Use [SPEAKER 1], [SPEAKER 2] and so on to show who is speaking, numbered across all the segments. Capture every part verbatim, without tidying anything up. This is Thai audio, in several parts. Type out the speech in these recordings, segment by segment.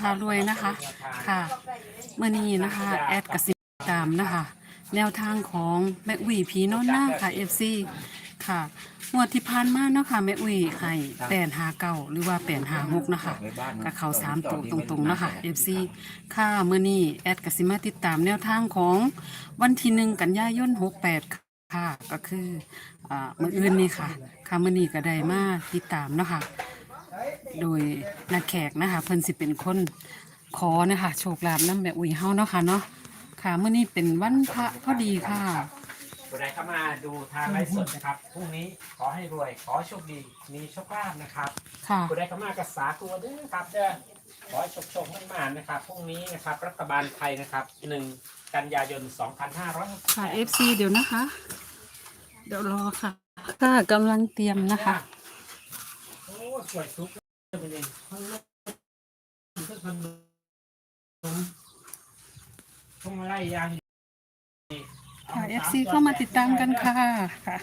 [SPEAKER 1] ารวยนะคะค่ะเมื่อนี้นะคะแอดกสิตามนะคะแนวทางของแม่อุ้ยผีน้อนหน้าค่ะ เอฟ ซี ค่ะงวดที่ผ่านมาเนาะค่ะแม่อุ้ยให้แปดหาเก้าหรือว่าแปดหาหกนะคะกับเขาสามตัวตรงๆเนาะค่ะ เอฟ ซี ค่ะเมื่อนี้แอดกสิมาติดตามแนวทางของวันที่หนึ่งกันยายนหกแปดค่ะก็คืออ่ามื่ออื่นนี่ค่ะค่ะมื่อนี้ก็ได้มาติดตามเนาะค่ะโดยนักแขกนะคะเพิ่นสิเป็นคนขอนะคะโชคลาภนำแม่อุ้ยเฮาเนาะค่ะเนาะค่ะมื่อนี้เป็นวันพระพอดีค่ะ
[SPEAKER 2] ผู้ใดเข้ามาดูทางไลฟ์สดนะครับพรุ่งนี้ขอให้รวยขอโชคดีมีโชคลาภนะครับ
[SPEAKER 1] ค่ะ
[SPEAKER 2] ผู้ใดเข้ามากับสาตัวด้วยครับเด้อขอให้โชคโชคมั่นมานะครับพรุ่งนี้นะครับรัฐบาลไทยนะครับหนึ่งกันยายนสองพันห้าร้อยหกสิบแปด
[SPEAKER 1] ค่ะ เอฟ ซี เดี๋ยวนะคะ เดี๋ยวรอค่ะค่ะกำลังเตรียมนะคะ
[SPEAKER 2] โอ้สวยทุกเลยเลยทั้งรถทั้งขนมทั้งอะไรยาง
[SPEAKER 1] ค่ะ เอฟ ซี เข้ามาติดตามกันค่ะค่ะ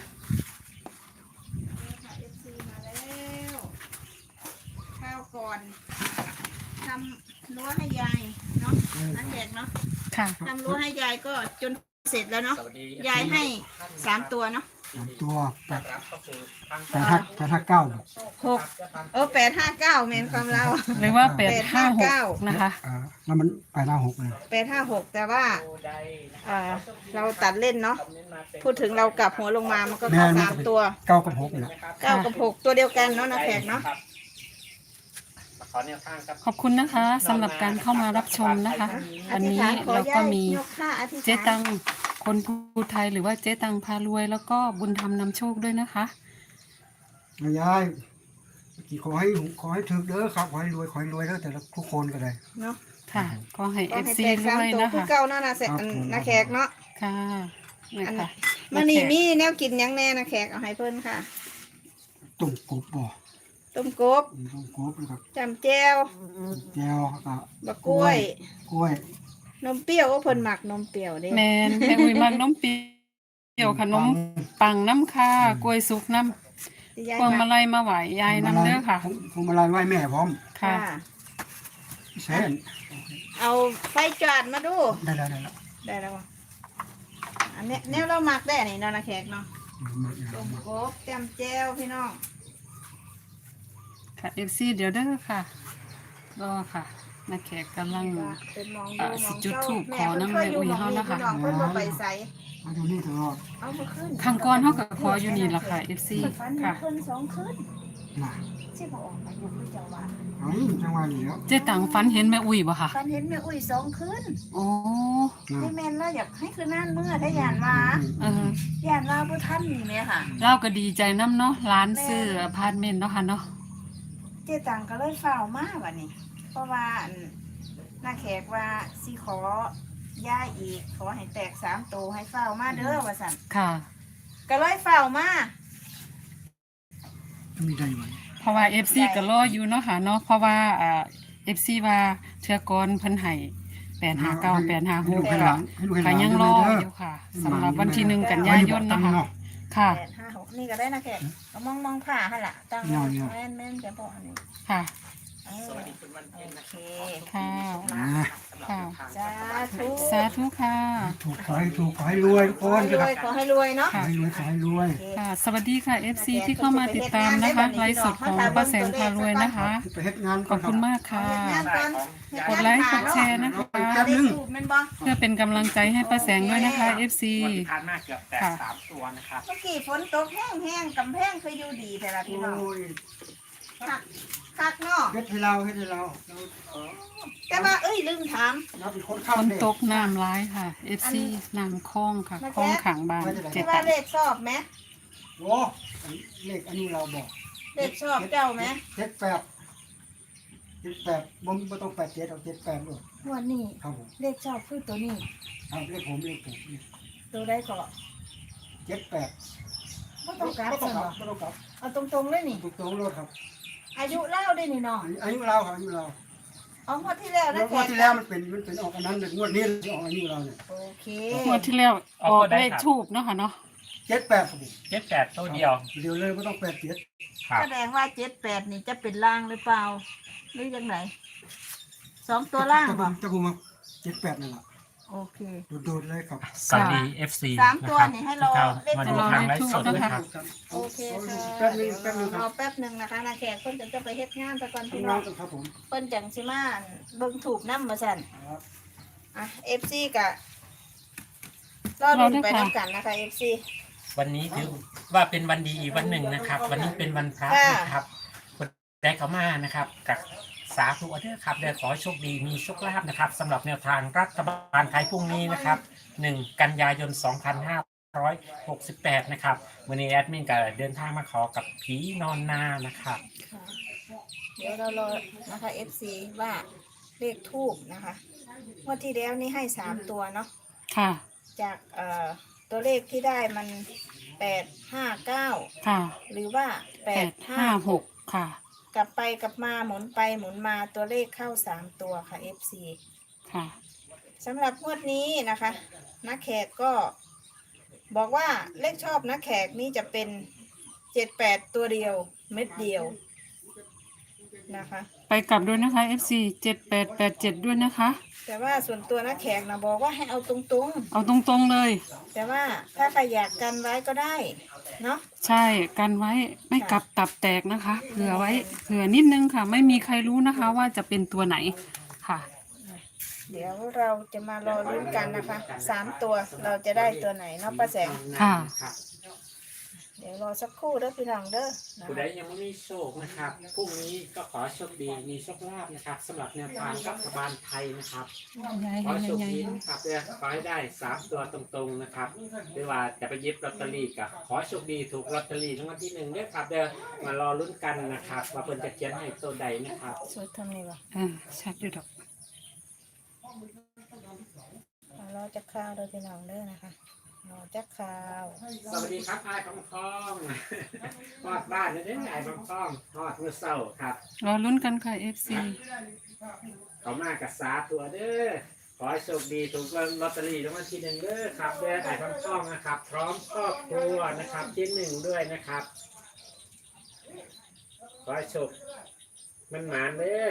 [SPEAKER 3] เอฟซีมาแล้วข้าวก่อนทำรั้วให้ยายเนาะนักแขกเนาะ
[SPEAKER 1] ค่ะ
[SPEAKER 3] ทำรั้วให้ยายก็จนเสร็จแล้วเนาะ
[SPEAKER 2] สวัสดี
[SPEAKER 3] ยายให้สามตัวเนาะ
[SPEAKER 4] สามตัวแปด
[SPEAKER 2] รับเข้าสู่ทาง
[SPEAKER 4] แปดห้าแปดห้าเก้า
[SPEAKER 3] หกเออแปดห้าเก้าเมนความเรา
[SPEAKER 1] หรือว่าแปดห้าหกนะคะ
[SPEAKER 4] อ่าแล้วมันแปดห้าหกเลย
[SPEAKER 3] แปดห้าหกแต่ว่าอ่าเราตัดเล่นเนาะพูดถึงเรากลับหัวลงมามันก็เข้าสามตัว
[SPEAKER 4] เก้ากับหกนี่แหละ
[SPEAKER 3] เก้ากับหกตัวเดียวกันเนาะนักแขกเนาะ
[SPEAKER 2] ขอแนวทางครับ
[SPEAKER 1] ขอบคุณนะคะสำหรับการเข้ามารับชมนะคะ วันนี้เราก็มีเจ๊ตังคนภูไทยหรือว่าเจ๊ตังพารวย แล้วก็บุญธรรมนำโชคด้วยนะคะ
[SPEAKER 4] ยายกี่ขอให้ขอให้ถึกเด้อครับขอให้รวยขอให้รวยเด้อแต่ละทุกคนก็ได้
[SPEAKER 3] เนาะ
[SPEAKER 1] ค่ะก็ให้
[SPEAKER 3] ก็
[SPEAKER 1] เอฟ
[SPEAKER 3] ให้
[SPEAKER 1] ซี
[SPEAKER 3] แตกสาม
[SPEAKER 1] ด้วย
[SPEAKER 3] ตัว
[SPEAKER 1] นะ
[SPEAKER 3] คือ
[SPEAKER 1] คะ
[SPEAKER 3] เก้าเนาะนะเสร็จนักแขกเนาะ
[SPEAKER 1] ค่ะนี่ค่ะ
[SPEAKER 3] มันนี่มีแนวกินหยังแน่นะแขกเอาให้เพิ่นค่ะ
[SPEAKER 4] ตุ่มกบบ่
[SPEAKER 3] ต้มกบ
[SPEAKER 4] ตุ่มกบนะครับ
[SPEAKER 3] จำแจ่ว
[SPEAKER 4] แก้วครับ
[SPEAKER 3] บักกล้วย
[SPEAKER 4] กล้วย
[SPEAKER 3] นมเปรี้ยวก็เพิ่นหมักนมเปรี้ยวเด้
[SPEAKER 1] แมนแม่อุ้ยมักนมเปรี้ยวขนมปังน้ำค่ะกล้วยสุกน้ำ
[SPEAKER 3] ที่ยาย
[SPEAKER 1] พวง
[SPEAKER 3] ห
[SPEAKER 1] มา
[SPEAKER 3] มัก
[SPEAKER 1] ลัยมาไหว ยายนำเด้อค่ะ
[SPEAKER 4] พวงมาลัยไหว้แม่พร้อม
[SPEAKER 1] ค่ะ
[SPEAKER 3] ค่ะ
[SPEAKER 4] แช่น
[SPEAKER 3] เอาไฟจอดมาดู
[SPEAKER 4] ได้แล้วได้แล้ว
[SPEAKER 3] ได้แล้วอะอันเนี้ยแนวเราหมักได้นี่เนาะนะแขกเนาะ
[SPEAKER 4] มาอีกแล้
[SPEAKER 3] ต้
[SPEAKER 4] ว
[SPEAKER 3] ม
[SPEAKER 4] มาก
[SPEAKER 3] บแจ่มแจ่วพี่น้อง
[SPEAKER 1] ค่ะเอฟซีเดี๋ยวเด้อค่ะรอค่ะนักแขกกำลัง
[SPEAKER 3] เป็นมอง
[SPEAKER 1] อ่า
[SPEAKER 3] ดูม
[SPEAKER 1] สิ
[SPEAKER 3] อง
[SPEAKER 1] จุด
[SPEAKER 3] เจ้า
[SPEAKER 1] ธูป
[SPEAKER 3] แม่
[SPEAKER 1] ขอ
[SPEAKER 3] เพิ่น
[SPEAKER 1] น้ำ
[SPEAKER 3] เคยอยู่
[SPEAKER 1] แม่
[SPEAKER 3] หมอง
[SPEAKER 1] อุ้ย
[SPEAKER 3] นี้
[SPEAKER 1] เฮานะคะ
[SPEAKER 3] พี่น้องเพิ่นบ่ไปใส่
[SPEAKER 4] มาดูนี่ตลอด
[SPEAKER 3] เอามาขึ้น
[SPEAKER 1] ข้างก้อนเท่ากับขออยู่นี่ล่ะค่ะเอฟซี
[SPEAKER 3] ฟัน
[SPEAKER 1] ค่ะ
[SPEAKER 3] ขึ้นสองขึ้น
[SPEAKER 4] น่ะ
[SPEAKER 3] สิบ่ออกอายุคือเจ้าว่า
[SPEAKER 4] เฮ้ยจังหวะนี้แล้ว
[SPEAKER 1] เจ๊ตังฝันเห็นแม่อุ้ยบ่ค่ะ
[SPEAKER 3] ฟันเห็นแม่อุ้ยสองขึ้น
[SPEAKER 1] โอ้
[SPEAKER 4] นะ
[SPEAKER 3] นี่แม่นแล้วอยากให้คือนั่นเมื่อได้ยานมา
[SPEAKER 1] เออย
[SPEAKER 3] านมาบ่ทันนี่แม่ค่ะ
[SPEAKER 1] เราก็ดีใจน้ำเนาะร้านซื้ออพาร์ตเมนต์เนาะค่ะเนาะ
[SPEAKER 3] เจ๊ตังก็เลยเฝ้ามาบัดนี้ เพราะว่าอันน้าแขกว่าสิขอย่าอีกขอให้แตกสามตัวให้เฝ้ามาเด้อว่าสั่น
[SPEAKER 1] ค่ะ
[SPEAKER 3] ก็เลยเฝ้ามา
[SPEAKER 4] มีได้ไหม
[SPEAKER 1] เพราะว่าเอฟซีก็รออยู่เนาะค่ะเนาะเพราะว่าอ่าเอฟซีว่าเทือกรเพิ่นให้แปดหาเก้าแปดหาหก
[SPEAKER 4] ให้
[SPEAKER 1] ก็
[SPEAKER 4] ลูกให้หลานให้ลูกให้ห
[SPEAKER 1] ก็
[SPEAKER 4] ลาน
[SPEAKER 1] ยังรอ
[SPEAKER 4] เด้
[SPEAKER 1] อยู่ค่ะสำหรับวันที่หนึ่งกันยายน
[SPEAKER 4] เนาะ
[SPEAKER 1] นะคะค่ะ
[SPEAKER 3] แปดห้าหกนี่ก็ได้นะแขกเอามองมองผ่าให้ละตั้ง
[SPEAKER 4] เนี่ยเนี่ย
[SPEAKER 3] แม่นแม่นจะบอกอันนี้
[SPEAKER 1] ค่ะ
[SPEAKER 3] เออ
[SPEAKER 2] สวัสดีคุณวันเพ็ญนะ
[SPEAKER 3] โอเค
[SPEAKER 1] ค่ะ
[SPEAKER 4] อ่า
[SPEAKER 1] ค่ะ
[SPEAKER 3] สาธุ
[SPEAKER 1] สาธุค่ะ
[SPEAKER 4] ถูกขอให้ถูกขอให้รวยทุกค
[SPEAKER 3] ขอน ให้ร
[SPEAKER 4] นะค
[SPEAKER 3] ว
[SPEAKER 4] รับ
[SPEAKER 3] ยขอให้รวยเนาะ
[SPEAKER 4] ขอให้รวยขอให้รวย
[SPEAKER 3] โอเค
[SPEAKER 1] ค่ะ สวัสดีค่ะ เอฟซี ที่เข้ามาติดตามนะคะไลฟ์สดของป้าแสงพารวยนะคะ
[SPEAKER 4] ไปเฮ็ดงาน
[SPEAKER 1] ขอบคุณมากค่ะ
[SPEAKER 3] เฮ็ดงานก่อนเฮ็ด
[SPEAKER 1] กด
[SPEAKER 3] งาน
[SPEAKER 1] ไลค์ก
[SPEAKER 3] ผ่า
[SPEAKER 1] ด
[SPEAKER 3] เนาะ
[SPEAKER 1] แชร์นะคะ
[SPEAKER 4] แป๊บ
[SPEAKER 3] ได้
[SPEAKER 4] นึง
[SPEAKER 3] สูบแมันบ่
[SPEAKER 1] เพื่อเป็นกำลังใจให้ป้าแสงด้วยนะคะ เอฟซี
[SPEAKER 2] วันที่ผ่านมาเกือบแตก
[SPEAKER 1] ค่ะ
[SPEAKER 2] สามตัวนะครับ
[SPEAKER 3] เมื่อกี้ฝนตกแห้งแห้งๆกำแพงเคยอยู่ดีแต่ละพี่น้อง
[SPEAKER 4] โอ้ย
[SPEAKER 3] คักคักเนาะ
[SPEAKER 4] เฮ็ดให้เราเฮ็ดให้เราเรา
[SPEAKER 3] แต่ว่าเอ้ยลืมถาม
[SPEAKER 4] เราเป็นคน
[SPEAKER 1] ฝ
[SPEAKER 4] ข้าม
[SPEAKER 1] น
[SPEAKER 4] เด็ก
[SPEAKER 1] ตกน้ำร้ายค่ะ เอฟซีน้ำคลองค่ะคลองขังบานเจ็
[SPEAKER 3] ที่
[SPEAKER 1] ด
[SPEAKER 3] ว่า
[SPEAKER 1] ตัน
[SPEAKER 3] เลขชอบไหม
[SPEAKER 4] โอ้เลขอันนี้เราบอก
[SPEAKER 3] เลขชอบเจ้าไหม
[SPEAKER 4] เจ็ดแปดเจ็ดแปดบ่บ่ต้องแปดเจ็ดเอาเจ็ดแปดเลย
[SPEAKER 3] งวันนี้
[SPEAKER 4] ครับผม
[SPEAKER 3] เลขชอบคือตัวนี้
[SPEAKER 4] ครับเลขผมเลขผม
[SPEAKER 3] ตัวได้ก็
[SPEAKER 4] เจ็ดแปด
[SPEAKER 3] ไม่ต้องกลับ
[SPEAKER 4] บ่ต้
[SPEAKER 3] ใช่
[SPEAKER 4] อง
[SPEAKER 3] ไห
[SPEAKER 4] ก
[SPEAKER 3] ม
[SPEAKER 4] ลับบ่ต้องกลับ
[SPEAKER 3] เอาตรงๆเลยนี่
[SPEAKER 4] ถูกต้องรถครับ
[SPEAKER 3] อายุเล่าได้นี่เนาะ
[SPEAKER 4] อายุเราครับอายุเรา
[SPEAKER 3] เอางวดที่แล้ว
[SPEAKER 4] แล้
[SPEAKER 3] นะ
[SPEAKER 4] วงวดที่แล้วมันเป็นมันเป็นออกอันนั้นงวดนี้ออกอายุเราเนี่ย
[SPEAKER 3] โอเค
[SPEAKER 1] งวดที่แล้วออกเลขทูบเนาะค่ะเนาะ
[SPEAKER 4] เจ็ดแปดครับผม
[SPEAKER 2] เจ็ดแปดตัวเดียว
[SPEAKER 4] เดี๋ยวเลยไม่ต้องแปดเจ็ด
[SPEAKER 2] ครับ
[SPEAKER 3] แสดงว่าเจ็ดแปดนี่จะเป็นล่างหรือเปล่าหรือยังไงสองตัวล่าง
[SPEAKER 4] จะ
[SPEAKER 3] บ่
[SPEAKER 4] จะพูดมาเจ็ดแปดนั่นแหละ
[SPEAKER 3] โอเค
[SPEAKER 4] โดดๆเลยครับ
[SPEAKER 2] สวัสดี เอฟ ซี
[SPEAKER 3] สาม
[SPEAKER 2] นะ
[SPEAKER 3] ตัว
[SPEAKER 2] ครับ
[SPEAKER 3] นี่ให้รอ
[SPEAKER 2] ที่เข้ามาดูทางไลฟ์สดนะครับ
[SPEAKER 3] โอเคค่ะ
[SPEAKER 4] แป๊บนึงแป๊บนึงค
[SPEAKER 3] ร
[SPEAKER 4] รั
[SPEAKER 3] อบ แป๊บหนึงนะคะนาแขกเพิ่นจะไปเฮ็ดงานไปก่อนพี่
[SPEAKER 4] ทำ
[SPEAKER 3] น้
[SPEAKER 4] งา
[SPEAKER 3] อน ง
[SPEAKER 4] กันครับผม
[SPEAKER 3] เพิ่นจังสิมาเบิ่งถูกนำมาสั่น
[SPEAKER 4] ครับ
[SPEAKER 3] อ่ะ เอฟ ซี ก็รอดูไปนํกันนะคะ เอฟ ซี
[SPEAKER 2] วันนี้ถือว่าเป็นวันดีอีกวันหนึ่งนะครับ วันนี้เป็นวันพระ
[SPEAKER 3] ค่ะ
[SPEAKER 2] นะครับคนได้เข้ามานะครับกับสาธุเด้อครับเดี๋ยวขอโชคดีมีโชคลาภนะครับสำหรับแนวทางรัฐบาลไทยพรุ่งนี้นะครับหนึ่งกันยายนสองพันห้าร้อยหกสิบแปดนะครับวันนี้แอดมินก็เดินทางมาขอกับผีนอนนานะครับ
[SPEAKER 3] ค่ะเดี๋ยวเรารอนะคะ เอฟ ซี ว่าเลขทูบนะคะงวดที่แล้วนี่ให้สามตัวเนาะ
[SPEAKER 1] ค่ะ
[SPEAKER 3] จากเอ่อตัวเลขที่ได้มันแปดห้าเก้า
[SPEAKER 1] ค่ะ
[SPEAKER 3] หรือว่าแป
[SPEAKER 1] แป
[SPEAKER 3] ด
[SPEAKER 1] ด
[SPEAKER 3] ห้า
[SPEAKER 1] ห้า
[SPEAKER 3] ห
[SPEAKER 1] ห
[SPEAKER 3] ก
[SPEAKER 1] กค่ะ
[SPEAKER 3] กลับไปกลับมาหมุนไปหมุนมาตัวเลขเข้าสามตัวค่ะ เอฟ ซี
[SPEAKER 1] ค่ะ
[SPEAKER 3] สำหรับงวดนี้นะคะนักแขกก็บอกว่าเลขชอบนักแขกนี่จะเป็นเจ็ดแปดตัวเดียวเม็ดเดียวนะคะ
[SPEAKER 1] ไปกลับด้วยนะคะ เอฟ ซี เจ็ดแปดแปดเจ็ดด้วยนะคะ
[SPEAKER 3] แต่ว่าส่วนตัวนักแขกนะบอกว่าให้เอาตรง
[SPEAKER 1] เอาตรงๆเลย
[SPEAKER 3] ๆ แต่ว่าถ้าใครอยากกันไว้ก็ได้เนาะ
[SPEAKER 1] ใช่กันไว้ไม่กลับตับแตกนะคะเผื่อไว้เผื่อนิดนึงค่ะ ไม่มีใครรู้นะคะว่าจะเป็นตัวไหนค่ะ
[SPEAKER 3] เดี๋ยวเราจะมารอลุ้นกันนะคะสามตัวเราจะได้ตัวไหนเนาะป้าแสง
[SPEAKER 1] ค่ะ
[SPEAKER 3] เดี๋ยวรอสักครู่เด้อพี่น้องเด้อนะ
[SPEAKER 2] ผู้
[SPEAKER 3] คะ
[SPEAKER 2] ใดยังไม่มีโชคนะครับพรุ่งนี้ก็ขอโชคดีมีโชคลาภนะครับสำหรับแนวทางรัฐบาลไทยนะครับ ขอโชคดีนะครับเดี๋ยวขอให้ได้สามตัวตรงๆนะครับหรือว่าจะไปเย็บลอตเตอรี่กับขอโชคดีถูกลอตเตอรี่รางวัลที่หนึ่งด้วยครับเดี๋ยวมารอลุ้นกันนะครับว่าเพิ่นจะเขียนให้ตัวใดนะครับ
[SPEAKER 3] สวดทำนี่วะ
[SPEAKER 1] อ่าชัดอยู่ดอก
[SPEAKER 3] เอารอจักข้าวเด้อพี่น้องเด้อนะคะรอจักข้าว
[SPEAKER 2] สวัสดีครับไอ้ฟองฟองทอดบ้านเลยเด้อไอ้ฟองฟองทอดเมื่อเช้าครับ
[SPEAKER 1] รอลุ้นกันค่ะ เอฟ ซี
[SPEAKER 2] เขามากับสาตัวเด้อขอให้โชคดีถูกลอตเตอรี่รางวัลที่หนึ่งเด้อครับเด้อไอ้ฟองฟองนะครับ พร้อมครอบครัวนะครับที่หนึ่งด้วยนะครับ ขอให้โชคมันหมานเด้อ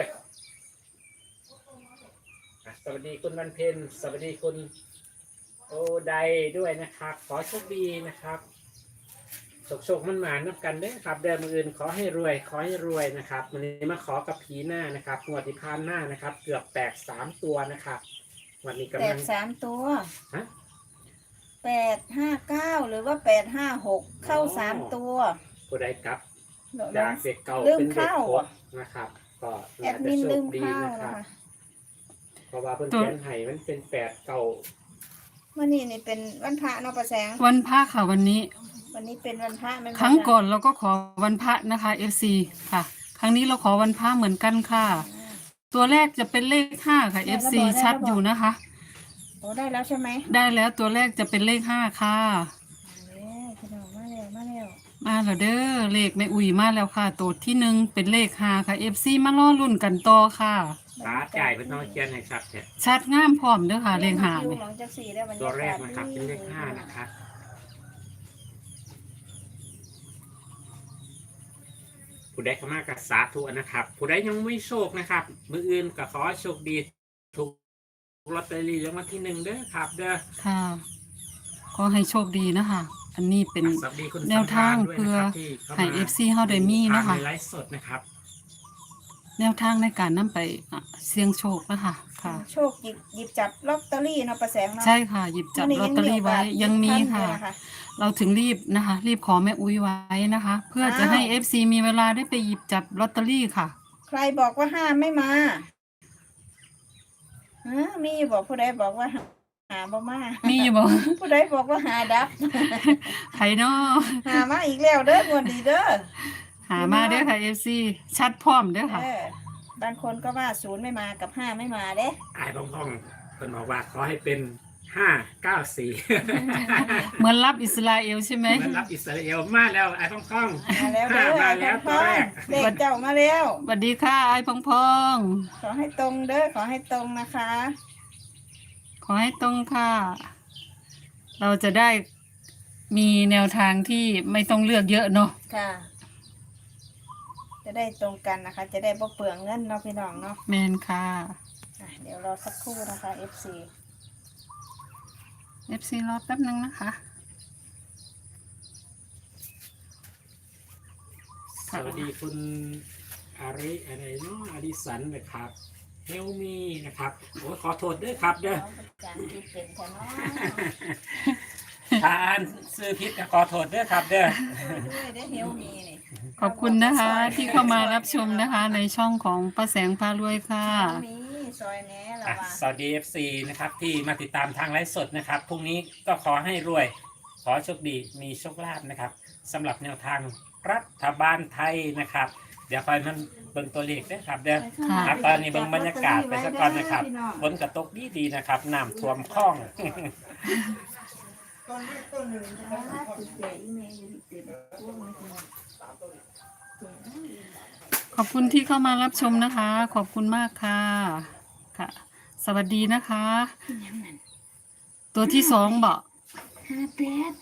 [SPEAKER 2] อ่ะสวัสดีคุณวันเพ็ญสวัสดีคุณโอไดด้วยนะครับ ขอโชคดีนะครับโชคโชคมันหมานนับกันเด้อครับเดินมืออื่นขอให้รวย ขอให้รวยนะครับวันนี้มาขอกับผีหน้านะครับงวดที่ผ่านหน้านะครับ เกือบแตกสามตัวนะครับวันนี้
[SPEAKER 3] แป
[SPEAKER 2] กำลั
[SPEAKER 3] ด
[SPEAKER 2] ง
[SPEAKER 3] สามตัว
[SPEAKER 2] ฮะ
[SPEAKER 3] แปดห้าเก้าหรือว่าแปดห้าหกเข้าสามตัว
[SPEAKER 2] ผู้ใดกลับ
[SPEAKER 3] เดี๋ยว
[SPEAKER 2] จาก
[SPEAKER 3] นะ
[SPEAKER 2] เด็กเก่า
[SPEAKER 3] ลืม
[SPEAKER 2] เป็นเด็ก
[SPEAKER 3] เข้า
[SPEAKER 2] โคตรนะครับ ก็
[SPEAKER 3] แอ
[SPEAKER 2] น่า
[SPEAKER 3] ด
[SPEAKER 2] จะ
[SPEAKER 3] มิน
[SPEAKER 2] โช
[SPEAKER 3] ลื
[SPEAKER 2] ค
[SPEAKER 3] ม
[SPEAKER 2] ดี
[SPEAKER 3] เข้า
[SPEAKER 2] นะค
[SPEAKER 3] นะ
[SPEAKER 2] รับ
[SPEAKER 3] คะ
[SPEAKER 2] เพราะว่าเพิ่น
[SPEAKER 1] ตัว
[SPEAKER 2] เขียนให้มันเป็นแปดเก่า
[SPEAKER 3] วันนี้นี่เป็นวันพระเนาะประแสง
[SPEAKER 1] วันพระค่ะวันนี้
[SPEAKER 3] วันนี้เป็นวันพระแม่นบ่
[SPEAKER 1] ครั้ง
[SPEAKER 3] จ๊ะ
[SPEAKER 1] ก่อนเราก็ขอวันพระนะคะ เอฟ ซี ค่ะ ครั้งนี้เราขอวันพระเหมือนกันค่ะ ตัวแรกจะเป็นเลขห้าค่ะ เอฟ ซี ชัดอยู่นะคะ
[SPEAKER 3] โอ้ได้แล้วใช่ไหม
[SPEAKER 1] ได้แล้วตัวแรกจะเป็นเลขห้าค่ะ
[SPEAKER 3] เอ้ยพี่น้องมาแล้วมาแล้ว
[SPEAKER 1] มาแล้วเด้อเลขไม่อุ่ยมาแล้วค่ะ ตัวที่หนึ่งเป็นเลขห้าค่ะ เอฟ ซี มาล่อรุ่นกันต่อค่ะ
[SPEAKER 2] ตาจ่ายเป็นน้องเขียนให้ชัดเนี่ย
[SPEAKER 1] ชัดงามพร้อมเด้อค่ะเลขห้า
[SPEAKER 3] คิว
[SPEAKER 1] นี่
[SPEAKER 3] หลังจากสี่ได้บรร
[SPEAKER 2] ตัวย
[SPEAKER 3] ากาศ
[SPEAKER 2] แรกนะครับเป็นเลขห้านะครับผู้ใดเข้ามากับสาธุนะครับ ผู้ใดยังไม่โชคนะครับ มืออื่นก็ขอให้โชคดีถูกลอตเตอรี่รางวัลที่หนึ่งเด้อครับ เด้อ
[SPEAKER 1] ค่ะ ขอให้โชคดีนะคะ อันนี้เป็น
[SPEAKER 2] สวัสดีคุณ
[SPEAKER 1] แนวทาง
[SPEAKER 2] สัมภรณ์ด้วยนะครับ
[SPEAKER 1] เพื่อ
[SPEAKER 2] ที่ข้า
[SPEAKER 1] ให้
[SPEAKER 2] มา
[SPEAKER 1] เอฟซีเฮาได้มีนะคะ
[SPEAKER 2] ทางในไลฟ์สดนะครับ
[SPEAKER 1] แนวทางในการนำไปอ่ะเสี่ยงโชคนะคะค่ะ
[SPEAKER 3] โชคหยิบหยิบจับลอตเตอรี่เนาะประแสงเนาะ
[SPEAKER 1] ใช่ค่ะ หยิบจับลอตเตอรี่ไว้ยังมีค่ะ
[SPEAKER 3] ท่านอยู่น
[SPEAKER 1] เราถึงรีบนะคะ รีบขอแม่อุ้ยไว้นะคะ เพื่อจะให้ เอฟ ซี มีเวลาได้ไปหยิบจับลอตเตอรี่ค่ะ
[SPEAKER 3] ใครบอกว่าห้ามไม่มาฮะมีบอกผู้ใดบอกว่าหาบ่มา
[SPEAKER 1] มีอยู่บอก
[SPEAKER 3] ผู้ใดบอกว่าหาดับ
[SPEAKER 1] ไผเนาะ
[SPEAKER 3] หามาอีกแล้วเด้องวดดีเด้อ
[SPEAKER 1] หามาเด้อค่ะ เอฟ ซี ชัดพร้อมเด้อค่ะ
[SPEAKER 3] เออบางคนก็ว่าศูนย์ไม่มากับห้าไม่มาเด้
[SPEAKER 2] อายพ่องๆคนบอกว่าขอให้เป็นห้าเก้าสี่
[SPEAKER 1] เหมือนรับอิสราเอลใช่ไหม
[SPEAKER 2] เหมือนรับอิสราเอลมาแล้วไอ้พ่อง
[SPEAKER 3] มาแล้ว
[SPEAKER 2] ๆ
[SPEAKER 3] เด้อ
[SPEAKER 2] มาแล้วตัวแรก
[SPEAKER 3] เด็กเจ้ามาแล้ว
[SPEAKER 1] สวัสดีค่ะไอ้พองพอง
[SPEAKER 3] ขอให้ตรงเด้อขอให้ตรงนะคะ
[SPEAKER 1] ขอให้ตรงค่ะ เราจะได้มีแนวทางที่ไม่ต้องเลือกเยอะเนาะ
[SPEAKER 3] ค่ะ จะได้ตรงกันนะคะ จะได้บ่เปลืองเงินเนาะพี่น้องเนาะ
[SPEAKER 1] แมนค่ะ
[SPEAKER 3] อสักครู่นะคะ เอฟ ซี
[SPEAKER 1] เอฟซีรอแป๊บนึงนะคะ
[SPEAKER 2] สวัสดีคุณอาริอะไรเนาะอดิสันนะครับเฮลมีนะครับโอ้ขอโทษด้วยครับเด้อ
[SPEAKER 3] จานที่เป็นแค่น้อย
[SPEAKER 2] ทานซื้อพิษก็ขอโทษด้วยครับเด้อ
[SPEAKER 3] ด้วยได้เฮลมีนี่
[SPEAKER 1] ขอบคุณนะคะที่เข้ามารับชมนะคะ ในช่องของป้าแสงพารวยค่ะ
[SPEAKER 3] เฮลมีซอยแหน่ละ
[SPEAKER 2] อ่ะ
[SPEAKER 3] ว่า
[SPEAKER 2] สวัสดี เอฟ ซี นะครับที่มาติดตามทางไลฟ์สดนะครับพรุ่งนี้ก็ขอให้รวย ขอโชคดีมีโชคลาภนะครับสำหรับแนวทางรัฐบาลไทยนะครับ เดี๋ยวคอยมันเบิ่งตัวเลขด้วยครับเด้อ
[SPEAKER 1] ค่ะ
[SPEAKER 2] ครับตอนนี้เบิ่งบรรยากาศไปสักก่อนนะครับฝนกระตกดีดีๆนะครับน้ำท่วมคลอง
[SPEAKER 1] ขอบคุณที่เข้ามารับชมนะคะ ขอบคุณมากค่ะค่ะ สวัสดีนะคะ ตัวที่สองบอก
[SPEAKER 3] ห้าแปด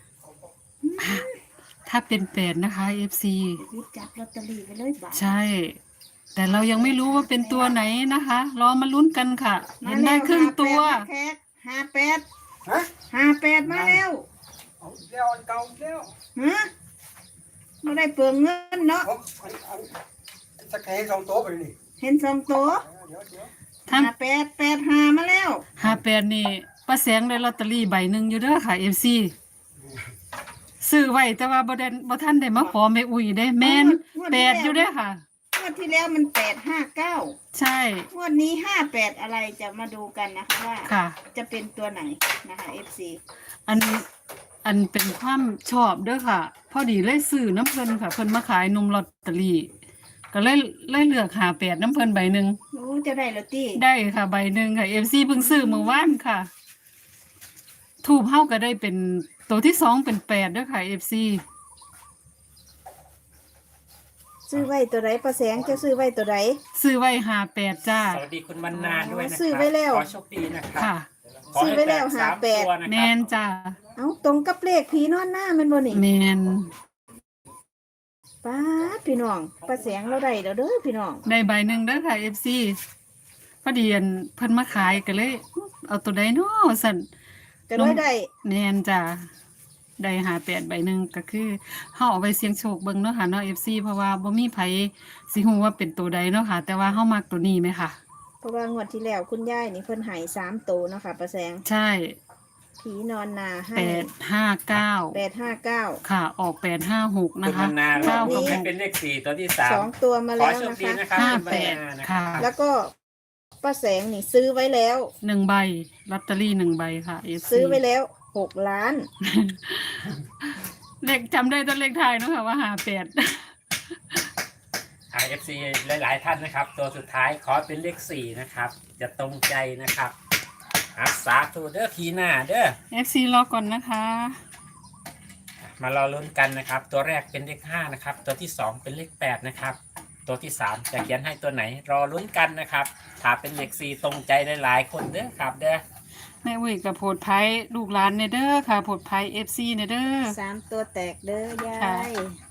[SPEAKER 1] ถ้าเป็นแปดนะคะ เอฟ ซี
[SPEAKER 3] วิจับลอตเตอรี่ไปเลยบ่า
[SPEAKER 1] ใช่ แต่เรายังไม่รู้ว่าเป็นตัวไหนนะคะ รอมาลุ้นกันค่ะ เห็นได้ครึ่งตัว
[SPEAKER 3] ห้าแปด
[SPEAKER 4] ฮะ
[SPEAKER 3] ห้าแปดมาแล้ว
[SPEAKER 4] เอาเดี๋ยวอันเก่าเดี๋ยว
[SPEAKER 3] ฮะไม่ได้เปลืองเงินเนาะ
[SPEAKER 4] ผมอันอันสักแค่สองโต๊ะไปนี่
[SPEAKER 3] เห็นสองตัว
[SPEAKER 4] เดี๋ยวเดี๋ยว
[SPEAKER 1] ทั้ง
[SPEAKER 3] ห้าแปดแปดห้ามาแล้ว
[SPEAKER 1] ห้าแปดนี่ป้าแสงได้ลอตเตอรี่ใบหนึ่งอยู่เด้อค่ะ เอฟ ซี ซื้อไว้แต่ว่าบ่ได้บ่ทันได้มาขอแม่อุ้ยได้แม่นแปดอยู่เด้อค่ะ
[SPEAKER 3] งวดที่แล้วมันแปดห้าเก้า
[SPEAKER 1] ใช่
[SPEAKER 3] งวดนี้ห้าแปดอะไรจะมาดูกันนะคะว่า
[SPEAKER 1] ค่ะ
[SPEAKER 3] จะเป็นตัวไหนนะคะ เอฟ ซี
[SPEAKER 1] อันอันเป็นความชอบเด้อค่ะ พอดีเลยซื้อน้ำเพิ่นค่ะ เพิ่นมาขายนมลอตเตอรี่ก็เลยเลยเลือกหาแปดน้ำเพิ่นใบหนึ่ง
[SPEAKER 3] โอ้จะได้แล้วตี้
[SPEAKER 1] ได้ค่ะใบหนึ่งค่ะ เอฟ ซี เพิ่งซื้อเมื่อวานค่ะ ทูบเฮาก็ได้เป็นตัวที่สองเป็นแปดเด้อค่ะ เอฟ ซี
[SPEAKER 3] ซื้อไว้ตัวไหนประแสงจะซื้อไว้ตัวไหน
[SPEAKER 1] ซื้อไว้หาแปดจ้า
[SPEAKER 2] สวัสดีคุณบรรณาด้วยนะค
[SPEAKER 3] ซื้อ
[SPEAKER 2] รับ
[SPEAKER 3] ไว้แล้ว
[SPEAKER 2] ขอโชคดีนะครับ
[SPEAKER 1] ค่ะ
[SPEAKER 2] ขอให้
[SPEAKER 3] ซื้อไว้แล้ว
[SPEAKER 2] ตกสาม
[SPEAKER 3] หาแปด
[SPEAKER 2] ตัวนะ
[SPEAKER 1] แม
[SPEAKER 2] ครับ
[SPEAKER 1] นจ้า
[SPEAKER 3] เอาตรงกับเลขผีนอนหน้าแมันบ่นี่
[SPEAKER 1] แมน
[SPEAKER 3] ป้าดพี่น้องประแสงเราได้แล้วเด้อพี่น้อง
[SPEAKER 1] ได้ใบหนึ่งเด้อค่ะ เอฟ ซี พอดีอันเพิ่นมาขายก็เลย เอาตัวใดเนาะสั่น
[SPEAKER 3] จะได้ได้
[SPEAKER 1] แน่นจ้ะได้หาแปดใบหนึ่งก็คือเฮาเอาไปเสี่ยงโชคเบิ่งเนาะค่ะเนาะ เอฟ ซี เพราะว่าบ่มีไผสิฮู้ว่าเป็นตัวใดเนาะค่ะ แต่ว่าเฮามักตัวนี้ไหมค่ะ
[SPEAKER 3] เพราะว่างวดที่แล้วคุณยายนี่เพิ่นใหายสามตัวเนาะค่ะประแสง
[SPEAKER 1] ใช่
[SPEAKER 3] ผีนอนนาให้
[SPEAKER 1] แปดห้าเก้า
[SPEAKER 3] แปดห้าเก้า
[SPEAKER 1] ค่ะ ออกแปดห้าหก
[SPEAKER 2] คุ
[SPEAKER 1] นะ
[SPEAKER 2] ณบ
[SPEAKER 1] คะ
[SPEAKER 2] รรณา
[SPEAKER 1] เก้า
[SPEAKER 2] เรา
[SPEAKER 1] กับห
[SPEAKER 2] ให้
[SPEAKER 1] ก
[SPEAKER 2] เป็นเลขสี่ตัวที่สาม
[SPEAKER 3] สองตัวมา
[SPEAKER 2] ขอ
[SPEAKER 3] แล้ว
[SPEAKER 2] โชค
[SPEAKER 3] นะ
[SPEAKER 2] ดี
[SPEAKER 3] คะ
[SPEAKER 2] นะครับ
[SPEAKER 1] ห้า
[SPEAKER 2] คุณบร
[SPEAKER 1] แป
[SPEAKER 2] ร
[SPEAKER 1] ด
[SPEAKER 2] ณานะ
[SPEAKER 1] ค่ะ
[SPEAKER 3] แล้วก็ป้าแสงนี่ซื้อไว้แล้ว
[SPEAKER 1] หนึ่งใบลอตเตอรี่หนึ่งใบค่ะ เอฟ ซี
[SPEAKER 3] ซื้อไว้แล้วหกล้าน
[SPEAKER 1] เลขจำได้แตัวเลขไทายเนาะค่ะว่าหาแปด
[SPEAKER 2] ไอเอฟซีหลาย ๆ ท่านนะครับ ตัวสุดท้ายขอเป็นเลขสี่นะครับ จะตรงใจนะครับอาสาธุเด้อพีหน้าเด้อ
[SPEAKER 1] เอฟ ซี รอก่อนนะคะ
[SPEAKER 2] มารอลุ้นกันนะครับ ตัวแรกเป็นเลขห้านะครับ ตัวที่สองเป็นเลขแปดนะครับ ตัวที่สามจะเขียนให้ตัวไหน รอลุ้นกันนะครับ ถ้าเป็นเลขสี่ตรงใจหลายๆคนเด้อครับเด้อ
[SPEAKER 1] แม่อุ้ยกับโพดไพ่ลูกหลานเนเด้อค่ะโพดไพ่เอฟซีเนเด้อ
[SPEAKER 3] สามตัวแตกเด้อยา
[SPEAKER 1] ค่ะ
[SPEAKER 3] ย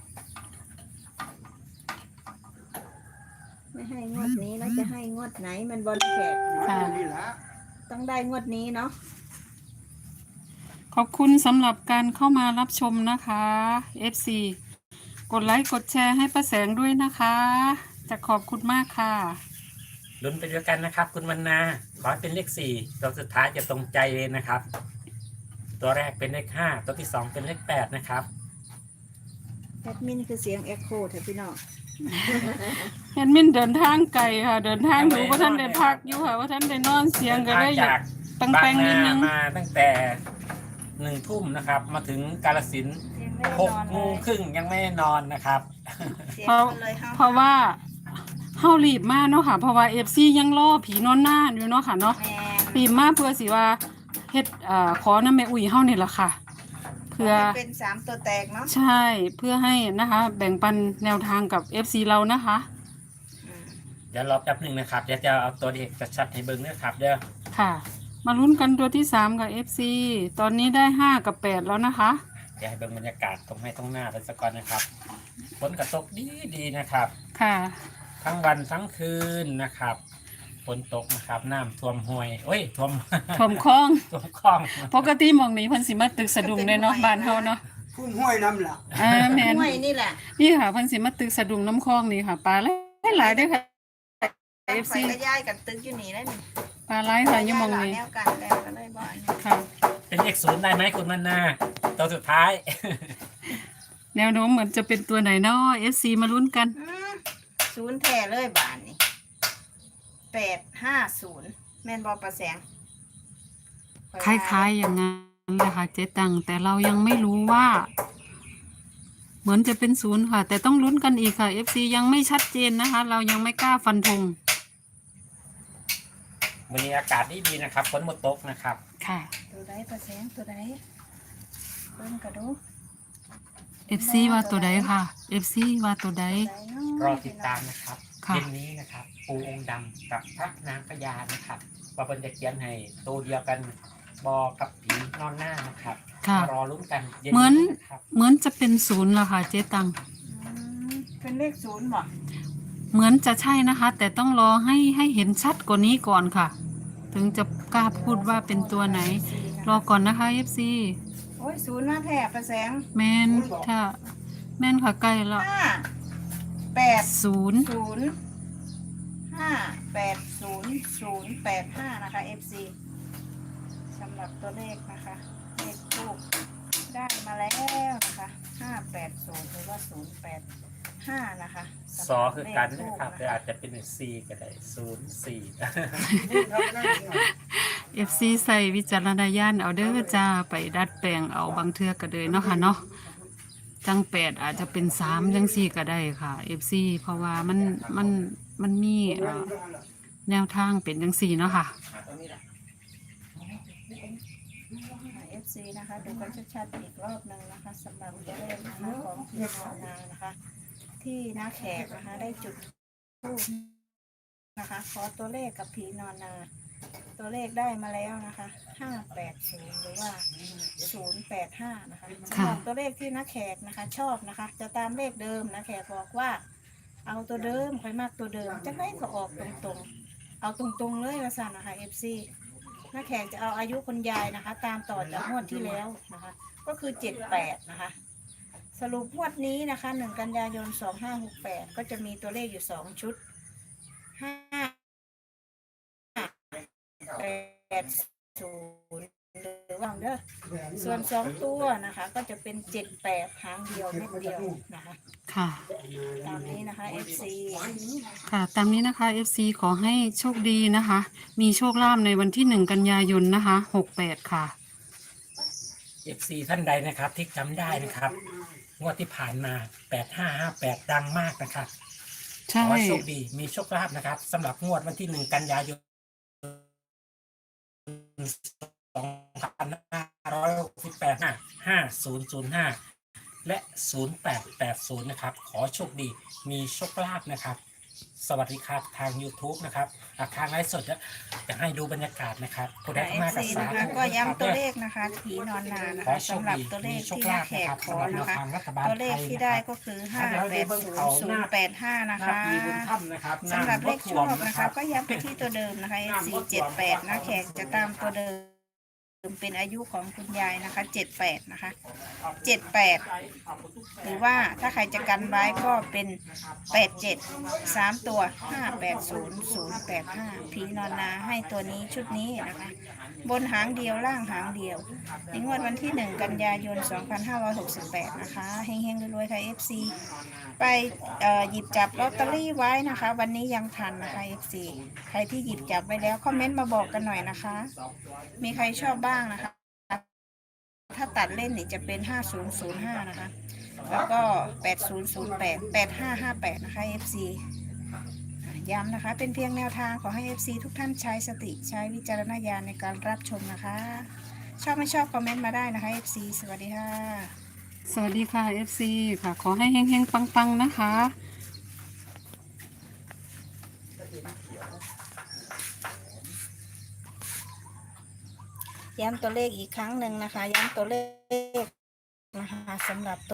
[SPEAKER 3] ไม่ให้งวดนี้แล้วจะให้งวดไหนมันบอลแขก
[SPEAKER 1] ค่ะ
[SPEAKER 4] นี่ละ
[SPEAKER 3] ต้องได้งวดนี้เนาะ
[SPEAKER 1] ขอบคุณสำหรับการเข้ามารับชมนะคะ เอฟ ซี กดไลค์กดแชร์ให้ป้าแสงด้วยนะคะ จะขอบคุณมากค่ะ
[SPEAKER 2] ลุ้นไปด้วยกันนะครับ คุณวรรณาขอให้เป็นเลขสี่ตัวสุดท้ายจะตรงใจเลยนะครับ ตัวแรกเป็นเลขห้าตัวที่สองเป็นเลขแปดนะครับ
[SPEAKER 3] แอดมินคือเสียงเอ็กโคเถอะพี่น้อง
[SPEAKER 1] แอดมินเดินทางไกลค่ะ เดินทางอยู่ว่าท่านได้พักอยู่ค่ะว่าท่านได้นอนเสียงก็ได้อยา
[SPEAKER 2] จาก
[SPEAKER 1] กตัง
[SPEAKER 2] บา
[SPEAKER 1] แป
[SPEAKER 2] ง
[SPEAKER 1] งนิด
[SPEAKER 2] นา
[SPEAKER 1] นึง
[SPEAKER 2] มาตั้งแต่หนึ่งทุ่มนะครับ มาถึงกาฬสินธุ์หกโมงครึ่งยังไม่ได้นอนนะครับ
[SPEAKER 3] เสียง
[SPEAKER 1] เพราะ
[SPEAKER 3] กันเลยค่ะ
[SPEAKER 1] เพราะว่าเฮารีบมากเนาะค่ะ เพราะว่าเอฟซียังรอผีนอนหน้าอยู่เนาะค่ะเนาะ
[SPEAKER 3] แมน
[SPEAKER 1] รีบมากเพื่อสิว่าเฮ็ดเอ่อขอน้ำแม่อุ้ยเฮานี่ล่ะค่ะ เพื่อ
[SPEAKER 3] ให้เป็นสามตัวแตกเนาะ
[SPEAKER 1] ใช่เพื่อให้นะคะ แบ่งปันแนวทางกับ เอฟ ซี เรานะคะ
[SPEAKER 3] อืม
[SPEAKER 2] เดี๋ยวรอแป๊บหนึ่งนะครับเดี๋ยวจะเอาตัวเลขชัดๆให้เบิ้งนะครับเด้อ
[SPEAKER 1] ค่ะ มาลุ้นกันตัวที่สามกับ เอฟ ซี ตอนนี้ได้ห้ากับแปดแล้วนะคะ
[SPEAKER 2] เดี๋ยวให้เบิ้งบรรยากาศตรงให้ตรงหน้าไปสักก่อนนะครับฝนกระตกดีดีๆนะครับ
[SPEAKER 1] ค่ะ
[SPEAKER 2] ทั้งวันทั้งคืนนะครับฝนตกนะครับน้ำท่วมห้วยโอ้ยท่วม
[SPEAKER 1] ท่วมคลอง
[SPEAKER 2] ท่วมคลอง
[SPEAKER 1] ปกติหมองนี้เพิ่นสิมาตึกสะดุ้งเลยเนาะบ้านเฮาเนาะ
[SPEAKER 4] พุ่มห้วยน้ำล่ะ
[SPEAKER 1] อ่าแม่น
[SPEAKER 3] ห้วยนี่แหละ
[SPEAKER 1] นี่ค่ะเพิ่นสิมาตึกสะดุ้งน้ำคลองนี่ค่ะปลาหลายๆเด้อค่ะ
[SPEAKER 3] เอ
[SPEAKER 1] เอ
[SPEAKER 3] ฟ
[SPEAKER 1] ฟ
[SPEAKER 3] ซี
[SPEAKER 1] ซี
[SPEAKER 3] ก็ย้ายกันตึกอยู่นี่ได้นี่
[SPEAKER 1] ปลาหลายค่ะอยู่หมองนี้
[SPEAKER 3] แนวกันแล้วก็เลยบ่อันนี้
[SPEAKER 1] ค่ะ
[SPEAKER 2] เป็นเลขศูนย์ได้ไหมคุณมันนาตัวสุดท้าย
[SPEAKER 1] แนวโน้มเหมือนจะเป็นตัวไหนเนาะ เอฟ ซี มาลุ้นกัน
[SPEAKER 3] อืมศูนย์แท้เลยบานนี่แปดห้าศูนย์แม่นบอประแสง
[SPEAKER 1] คล้ายๆอย่างนั้นเลยค่ะเจ๊ตังแต่เรายังไม่รู้ว่า เหมือนจะเป็นศูนย์ค่ะ แต่ต้องลุ้นกันอีกค่ะ เอฟ ซี ยังไม่ชัดเจนนะคะ เรายังไม่กล้าฟันธง
[SPEAKER 2] วันนี้อากาศดีดีนะครับฝนหมดตกนะครับ
[SPEAKER 1] ค่ะ
[SPEAKER 3] ตัวใดประแสงตัวใดเบิ่งกระดู
[SPEAKER 1] เอฟ ซี ว่าตัวใดค่ะ เอฟ ซี ว่าตัวใด
[SPEAKER 2] รอติดตามนะครับ
[SPEAKER 1] ค่ะ
[SPEAKER 2] เย็นนี้นะครับ ปูองค์ดำกับพระนางพญานะครับว่าเป็นจะเขียนให้ตัวเดียวกันบอกับผีนอนหน้านะครับ
[SPEAKER 1] ค่ะ
[SPEAKER 2] มารอลุ้นกันย็
[SPEAKER 1] เหมือน
[SPEAKER 2] นะครับ
[SPEAKER 1] เหมือนจะเป็นศูนย์ละค่ะเจ๊ตัง
[SPEAKER 3] อืมเป็นเลขศูนย์บ่
[SPEAKER 1] เหมือนจะใช่นะคะ แต่ต้องรอให้ให้เห็นชัดกว่านี้ก่อนค่ะ ถึงจะกล้าพูดว่าเป็นตัวไหน รอก่อนนะคะ เอฟ ซี
[SPEAKER 3] โอ้ยศูนย์มาแท้ประแสง
[SPEAKER 1] แมนถ้าแมนค่ะใกล้แล้ว
[SPEAKER 3] ห้าแปด
[SPEAKER 1] ศูนย์
[SPEAKER 3] ศูนย์ห้าแปดศูนย์ศูนย์แปดห้านะคะ เอฟ ซี สำหรับตัวเลขนะคะ เลขทูปได้มาแล้วนะคะห้าแปดศูนย์หรือว่าศูนย์แปดห้านะคะ
[SPEAKER 2] ซอคือกันนะครับแต่อาจจะเป็นซีก็ได้ศูนย์สี่
[SPEAKER 1] เอฟซีใส่วิจารณญาณเอาเด้อจ้าไปดัดแปลงเอาบางเทือก็เลยเนาะค่ะเนาะจังแปดอาจจะเป็นสามจังสี่ก็ได้ค่ะเอฟซีเพราะว่ามันมันมันมีเอ่อแนวทางเป็นจังสี่เนาะค่ะ
[SPEAKER 3] เอฟซีนะคะ ดูกันชัดๆอีกรอบหนึ่งนะคะสำหรับตัวเลขนะคะของพี่ภาวนานะคะ ที่น้าแขกนะคะได้จุดทูปนะคะขอตัวเลขกับผีนอนนา ตัวเลขได้มาแล้วนะคะห้าแปดศูนย์หรือว่าศูนย์แปดห้านะคะสำหรับตัวเลขที่น้าแขกนะคะ ชอบนะคะ จะตามเลขเดิมนะแขกบอกว่า เอาตัวเดิมค่อยมากตัวเดิมจะได้ก็ออกตรงๆ เอาตรงๆเลยละสันนะคะเอฟซีน้าแขกจะเอาอายุคุณยายนะคะ ตามต่อจากงวดที่แล้วนะคะ ก็คือเจ็ดแปดนะคะ สรุปงวดนี้นะคะหนึ่งกันยายนสองห้าหกแปดก็จะมีตัวเลขอยู่สองชุดห้าแปดศูนย์หรือว่าเด้อส่วนสองตัวนะคะ ก็จะเป็นเจ็ดแปดหางเดียวเม็ดเดียวนะคะ
[SPEAKER 1] ค่ะ
[SPEAKER 3] ตามนี้นะคะ เอฟ ซี
[SPEAKER 1] ค่ะ ตามนี้นะคะ เอฟ ซี ขอให้โชคดีนะคะ มีโชคลาภในวันที่หนึ่งกันยายนนะคะหกแปดค่ะ
[SPEAKER 2] เอฟซีท่านใดนะครับที่จำได้นะครับงวดที่ผ่านมาแปดห้าห้าแปดดังมากนะครับ
[SPEAKER 1] ใช่
[SPEAKER 2] ขอให้โชคดีมีโชคลาภนะครับสำหรับงวดวันที่หนึ่งกันยายนสองพันห้าร้อยหกสิบแปดห้าห้าศูนย์ศูนย์ห้าและศูนย์แปดแปดศูนย์นะครับขอโชคดีมีโชคลาภนะครับ สวัสดีครับทาง YouTube นะครับอ่ะทางไลฟ์สดจะจะให้ดูบรรยากาศนะครับผู้ใด
[SPEAKER 3] เอ
[SPEAKER 2] เข้า
[SPEAKER 3] ฟ
[SPEAKER 2] มากับ
[SPEAKER 3] ซี
[SPEAKER 2] สา
[SPEAKER 3] นะคะ
[SPEAKER 2] ธุ
[SPEAKER 3] ก็ย้ำตัวเลขนะคะผีนอนนานะ
[SPEAKER 2] ขอ
[SPEAKER 3] คะ
[SPEAKER 2] โชค
[SPEAKER 3] สำหรับ
[SPEAKER 2] ดี
[SPEAKER 3] ตัวเล
[SPEAKER 2] มี
[SPEAKER 3] ข
[SPEAKER 2] โชค
[SPEAKER 3] ที่
[SPEAKER 2] ลา
[SPEAKER 3] น้า
[SPEAKER 2] ภ
[SPEAKER 3] แข
[SPEAKER 2] นะ
[SPEAKER 3] ก
[SPEAKER 2] ครับ
[SPEAKER 3] ขอ
[SPEAKER 2] สำหรับแนว
[SPEAKER 3] นะคะ
[SPEAKER 2] ทางรัฐบาล
[SPEAKER 3] ตัวเล
[SPEAKER 2] ไท
[SPEAKER 3] ข
[SPEAKER 2] ย
[SPEAKER 3] ที่
[SPEAKER 2] นะ
[SPEAKER 3] ได้
[SPEAKER 2] ครับ
[SPEAKER 3] ก็คือ
[SPEAKER 2] ค
[SPEAKER 3] ห้า
[SPEAKER 2] รับ
[SPEAKER 3] แปดศูนย์ศูนย์แปดห้านะคะ
[SPEAKER 2] มีบุญถ้ำนะครับ
[SPEAKER 3] สำหรับเลขชอบ
[SPEAKER 2] ำ
[SPEAKER 3] นะคะ ก็ย้ำไปที่ตัวเดิมนะคะ เอฟ ซี เจ็ดแปดนะแขกจะตามตัวเดิมเป็นอายุของคุณยายนะคะเจ็ดแปดนะคะเจ็ดแปดหรือว่าถ้าใครจะกันไว้ก็เป็นแปดเจ็ดสามตัวห้าแปดศูนย์ศูนย์แปดห้าผีนอนนาให้ตัวนี้ชุดนี้นะคะ บนหางเดียวล่างหางเดียวในงวดวันที่หนึ่งกันยายนสองพันห้าร้อยหกสิบแปดนะคะเฮงๆรวยๆค่ะ เอฟ ซี ไปเอ่อหยิบจับลอตเตอรี่ไว้นะคะ วันนี้ยังทันนะคะ เอฟ ซี ใครที่หยิบจับไว้แล้วคอมเมนต์มาบอกกันหน่อยนะคะ มีใครชอบบ้างนะคะ ถ้าตัดเล่นนี่จะเป็นห้าศูนย์ศูนย์ห้านะคะ แล้วก็แปดศูนย์ศูนย์แปด แปดห้าห้าแปดนะคะ เอฟ ซี ย้ำนะคะ เป็นเพียงแนวทางขอให้ เอฟ ซี ทุกท่านใช้สติใช้วิจารณญาณในการรับชมนะคะ ชอบไม่ชอบคอมเมนต์มาได้นะคะ เอฟ ซี สวัสดีค่ะ
[SPEAKER 1] สวัสดีค่ะ เอฟ ซี ค่ะ ขอให้เฮงๆปังๆนะคะ
[SPEAKER 3] ย้ำตัวเลขอีกครั้งหนึ่งนะคะ ย้ำตัวเลขนะคะสำหรับ